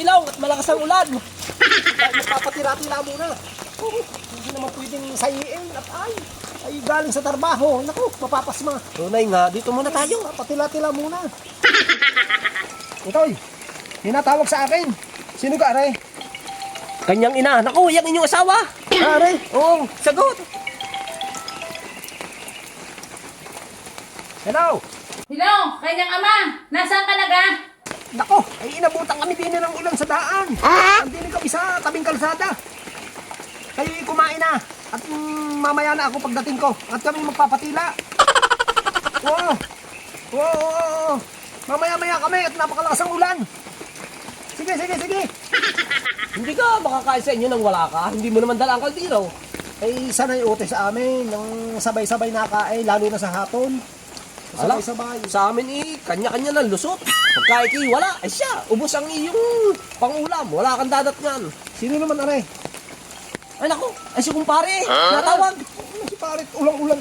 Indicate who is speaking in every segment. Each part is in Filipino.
Speaker 1: ilaw at malakas ang ulan. Magpapatira-tira muna. Hindi naman pwedeng sayiin at ay galing sa trabaho. Naku, mapapasma. Tunay nga, dito muna tayo. Papatila-tila muna. Itoy, hinatawag sa akin. Sino ka, Aray? Kanyang ina. Naku, yung inyong asawa. Aray? Oo, sagot. Hello?
Speaker 2: Hello, kanyang ama! Nasaan ka na ga?
Speaker 1: Nako, ay inabutan kami din ng ulan sa daan. Andini kami sa tabing kalsada. Kayo kumain na. At mamaya na ako pagdating ko. At kami magpapatila. Oo. Oo. Mamaya-maya kami at napakalakas ang ulan. Sige. Hindi ka makakain sa inyo nang wala ka. Hindi mo naman dala ang kaldero. Ay sanay ute sa amin. Nang sabay-sabay nakain, lalo na sa hapon. Sabay-sabay. Sa amin kanya-kanya ng lusot. Pagka wala, ay siya, ubos ang iyong pangulam. Wala kang dadatngan. Sino naman, Aray? Ay naku, ay si kumpare. Natawag. Ano si pare? Ulang-ulang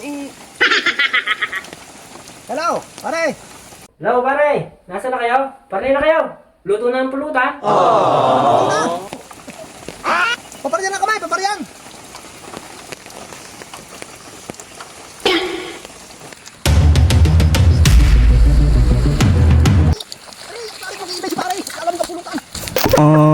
Speaker 1: Hello, pare.
Speaker 3: Hello, pare. Nasaan na kayo? Pare na kayo. Luto na ang pulutan.
Speaker 1: Paparyan na kami, paparyan. Pare, pare, pare, alam ka pulutan.